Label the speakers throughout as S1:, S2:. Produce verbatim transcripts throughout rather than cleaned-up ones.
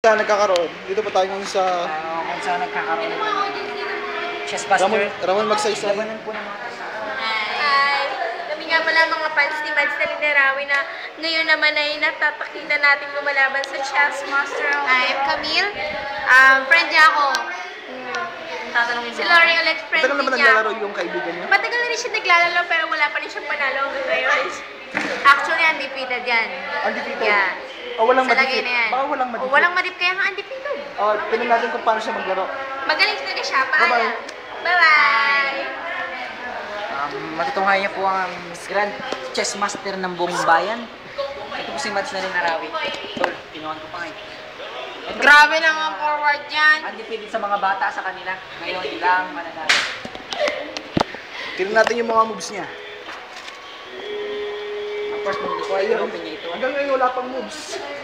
S1: Saan nagkakaroon? Dito pa tayo ngayon sa
S2: Uh, kung saan nagkakaroon ng Chessbuster.
S1: Ramon, Ramon magsaysay.
S2: Labanan po ng mga kasama.
S3: Hi! Kami nga pala mga fans ni Mads na Linarawi na ngayon naman ay natapakita natin lumalaban sa Chessmaster.
S4: I'm Camille. Um, friend niya ako.
S3: Tatanungin si Lori ulit, friend
S1: Matagal naman
S3: niya.
S1: naglalaro yung kaibigan niya.
S3: Matagal na rin siya naglalaro pero wala pa rin siyang panalo hanggang ngayon.
S4: Actually, undefeated yan.
S1: Undefeated?
S4: Yeah.
S1: O walang
S4: Sa lagay
S1: madipit?
S4: na yan.
S1: Baka walang madipit?
S4: O, walang madip kaya nga undefeated.
S1: O, tingnan natin kung paano siya maglaro.
S3: Magaling talaga siya.
S1: Bye-bye.
S3: Paalam. Bye-bye!
S2: Um, matutunghayan niya po ang Miss Grand Chessmaster ng buong bayan. Ito po si Mads na Linarawi. Tol, pinuhan ko pa ngayon. Ito po,
S4: Grabe naman forward yan.
S2: undefeated sa mga bata sa kanila. Ngayon lang mananalo.
S1: Tingnan natin yung mga moves niya.
S2: Ang first move ko ay open niya ito.
S1: Hanggang ngayon wala pang moves.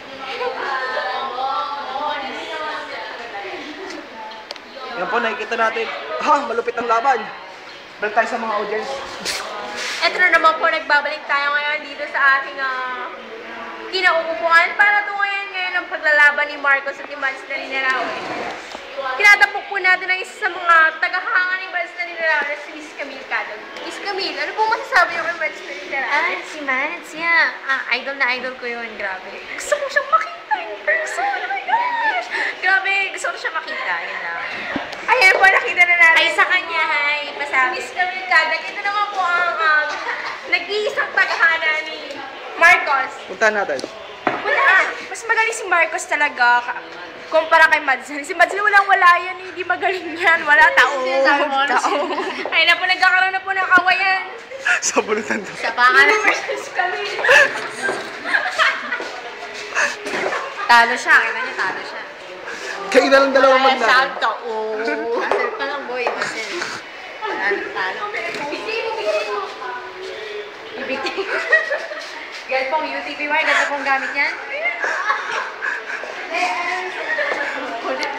S1: Yan po, nakikita natin. Ha, malupit ang laban. Balik tayo sa mga audience.
S3: Ito na naman po, nagbabalik tayo ngayon dito sa ating uh, kinauupuan para tungayan ngayon ang paglalaban ni Marcos at ni Mads na Linarawi. Kinatapok po natin ang isa sa mga tagahanga ni Mads na Linarawi na si Miss Camille Cadog. Miss Camille, ano po masasabi niyo kay Mads na Linarawi?
S4: Ah, si Mads, yeah. Ah, idol na idol ko yun. Grabe. Gusto ko siyang makita in person. Oh my gosh. Grabe, gusto ko siyang makita. Yun lang.
S3: Ayan po, nakita na natin.
S4: Ay, sa kanya, hi.
S3: Si
S4: Pasabi.
S3: Miss Camille Cadog. Ito naman po ang um, nag-iisang tagahanga ni Marcos.
S1: Puntahan natin.
S3: Wala. Mas magaling si Marcos talaga ka- kumpara kay Mads. Si Mads walang-wala yan, hindi magaling yan. Wala tao.
S4: Sinasabi mo, ano
S3: Tao. Ay na po, nagkakaroon na po ng kawayan.
S1: Sa bulutan to.
S4: Sa pangalan.
S3: Versus Camille.
S4: Talo siya. Kita niya, talo siya.
S1: Kayo na lang dalawang maglaro.
S4: tao. Masel pa lang, boy. Masel. Talo, talo. Ibigay. Ganyan pong U T P wire. Ganyan pong gamit yan.